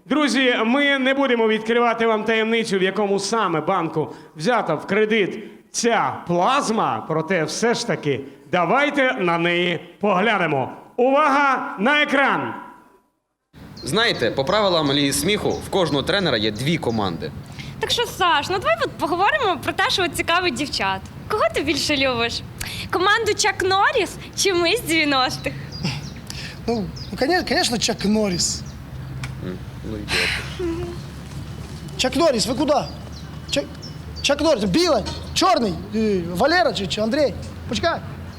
Друзі, ми не будемо відкривати вам таємницю, в якому саме банку взята в кредит ця плазма, проте все ж таки давайте на неї поглянемо. Увага на екран! Знаєте, по правилам Ліги сміху в кожного тренера є 2 команди. Так що, Саш, ну давай поговоримо про те, що цікавить дівчат. Кого ти більше любиш? Команду Чак Норріс чи ми з 90-х? Ну, конечно, Чак Норрис. Ну, ідіот. Чак Норрис, вы куда? Чак Норрис, Біла, Чорний, Валера чи Андрій? Почекай.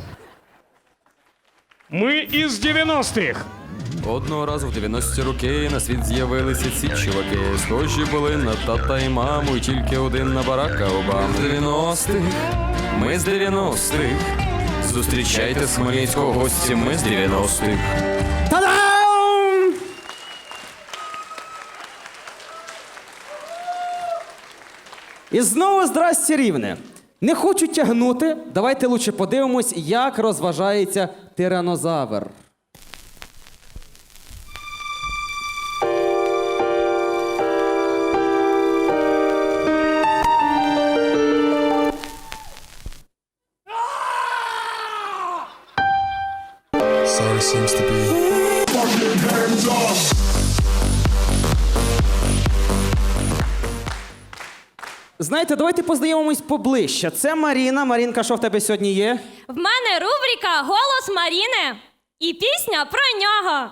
Ми із 90-х. Одного разу в 90-ті роки на світ з'явилися ці чуваки. Схожі були на тата і маму, і тільки один на Барака Обаму. З 90-х, ми з 90-х. Зустрічайте з Хмельницького гості, ми з 90-х. Та-дам! І знову здрасте, Рівне. Не хочу тягнути, давайте лучше подивимось, як розважається тиранозавр. Sorry seems to be. Знаєте, давайте познайомимось поближче. Це Маріна. Марінка, що в тебе сьогодні є? В мене рубрика «Голос Маріни» і пісня про нього.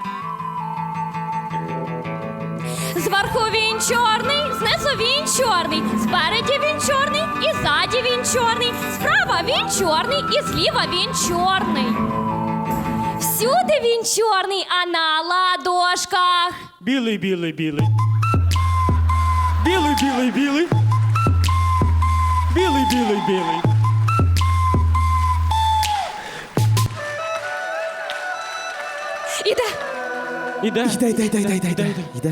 Зверху він чорний, знизу він чорний, спереді він чорний і ззаді він чорний, справа він чорний і зліва він чорний. Всюди він чорний, а на ладошках. Білий, білий, білий. Білий, білий, білий. Білий, білий, білий. Іде. Іде. Йде.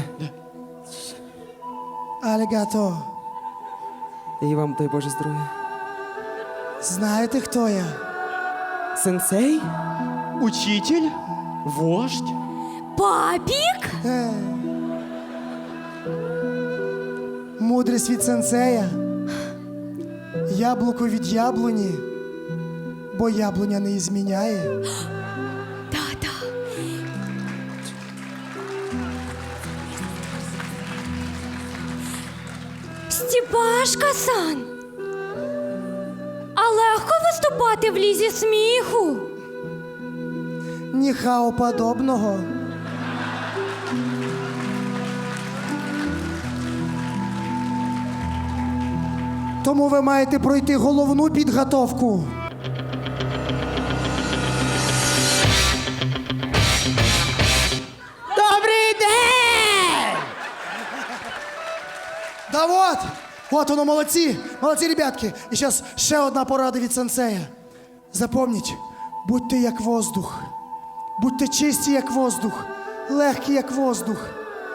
Алігато, І вам, дай Боже здоров'я. знаєте, хто я? Сенсей? Учитель? Вождь? Папік? Мудрість від сенсея. Яблуко від яблуні, бо яблуня не зміняє. Та-та. Стіпашка-сан. А легко виступати в лізі сміху? Ніхао подобного. Тому ви маєте пройти головну підготовку. Добрий день! Да вот воно, молодці, ребятки. І зараз ще одна порада від сенсея. Запомніть, будьте як воздух. Будьте чисті, як воздух. Легкі, як воздух.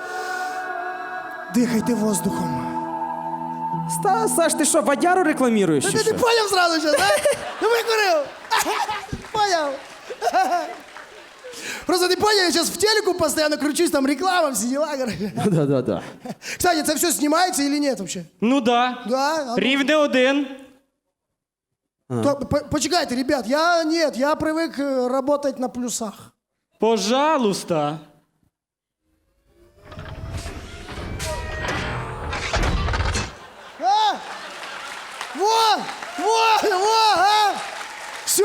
Дихайте воздухом. Саш, ти що, водяру рекламіруєш? чи Ти що? поняв зразу зараз, а? Ну викурив. Поняв. Просто ти поняв, я зараз в телеку постійно кручусь, там реклама, всі діла. Да. Кстати, це все знімається или нет вообще? Ну да. Да? А ну. Рівне один. Почекайте, ребят, я привик работать на плюсах. Пожалуйста. А? Во, а? Все.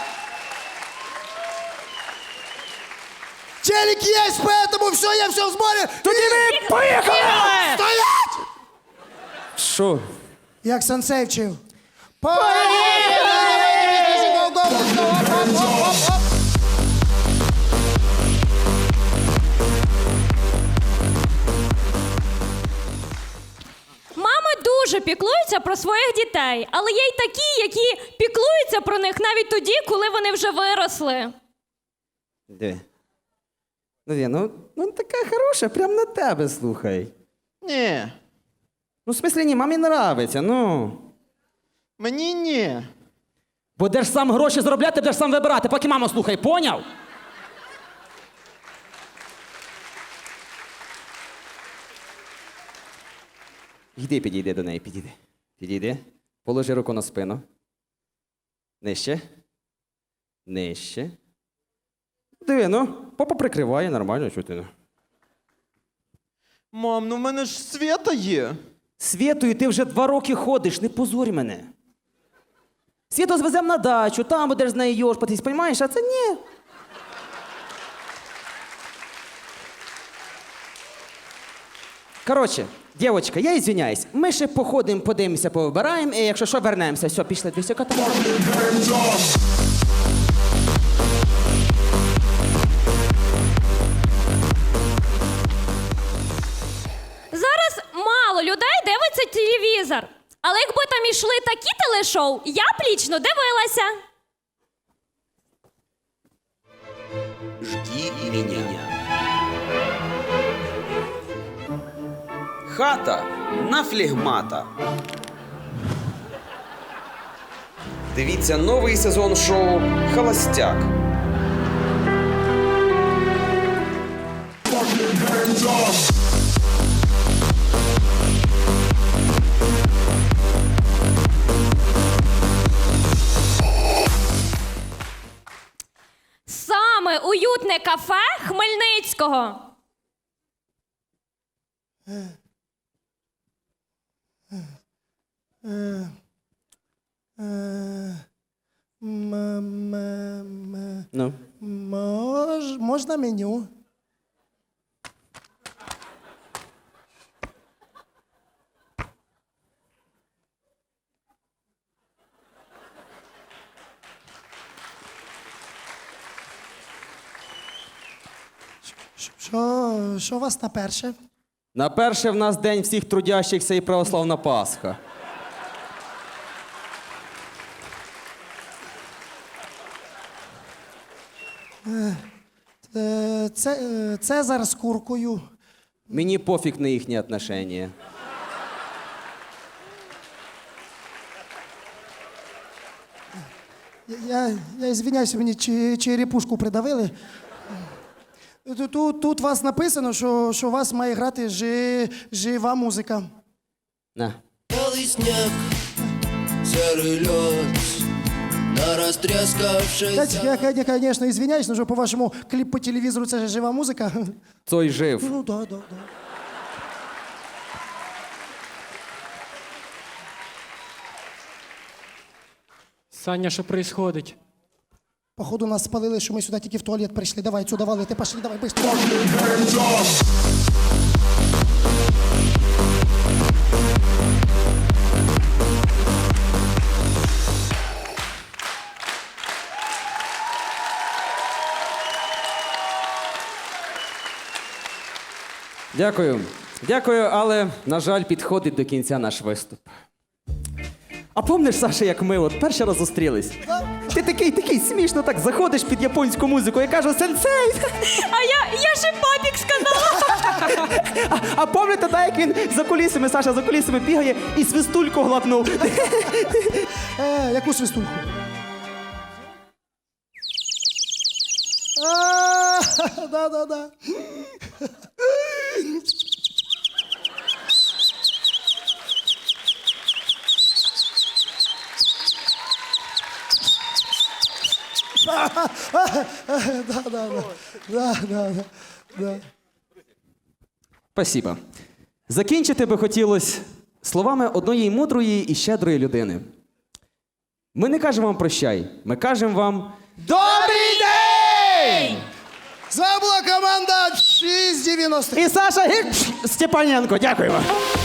Телек есть, поэтому все, я все в сборе. Тоді ми поїхали! Стоять! Що? Як сенсей вчив. Мами дуже піклуються про своїх дітей, але є й такі, які піклуються про них навіть тоді, коли вони вже виросли. Диви. Ну така хороша, прям на тебе, слухай. Ні, Ну, в смислі, ні, мамі нравиться, ну. мені ні. Будеш сам гроші заробляти, будеш сам вибирати, поки маму слухай, поняв? Йди, підійди до неї, підійди. Підійди. Положи руку на спину. Нижче. Нижче. Диви, ну, папа прикриває, нормально, чого ти? Мам, ну в мене ж Свята є. Світою, ти вже 2 роки ходиш, не позорь мене. Світу звеземо на дачу, там будеш з нею йошпатись, розумієш, а це ні. Коротше, дівчинка, я извиняюсь, ми ще походимо, подивимося, повибираємо, і якщо що, вернемося. Все, пішли, дві секунди. Зараз мало людей дивиться телевізор. Але якби там ішли такі телешоу, я б лічно дивилася. Жди меня. Хата на флегмата. Дивіться новий сезон шоу Холостяк. Саме уютне кафе Хмельницького. Ну. Можна меню? Що у вас на перше? На перше в нас день всіх трудящихся і православна Пасха. Цезар з куркою. Мені пофіг на їхні отношення. Я извиняюся, мені черепушку придавили. Тут вас написано, що у вас має грати жива музика. На. Белый снег, серый лед, на растрескавшейся... Я, конечно, извиняюсь, но по вашому кліп по телевізору це ж жива музика. Цой жив. Ну, да. Саня, що происходить? Походу нас спалили, що ми сюди тільки в туалет прийшли. Давай, сюди валити, пошли, давай, быстро. Дякую. Дякую, але, на жаль, підходить до кінця наш виступ. А помниш, Саша, як ми от перший раз зустрілись? Ти такий смішно так заходиш під японську музику, я кажу «Сенсей!» А я ще папік сказала. А пам'ятаєте, так, як він за кулісами, Саша за кулісами бігає і свистульку глапнув? Яку свистульку? Да. Да. Спасибо. Закінчити би хотілося словами одної мудрої і щедрої людини. Ми не кажемо вам прощай, ми кажемо вам Добрий день! Це була команда 690. і Саша Степаненко. Дякуємо.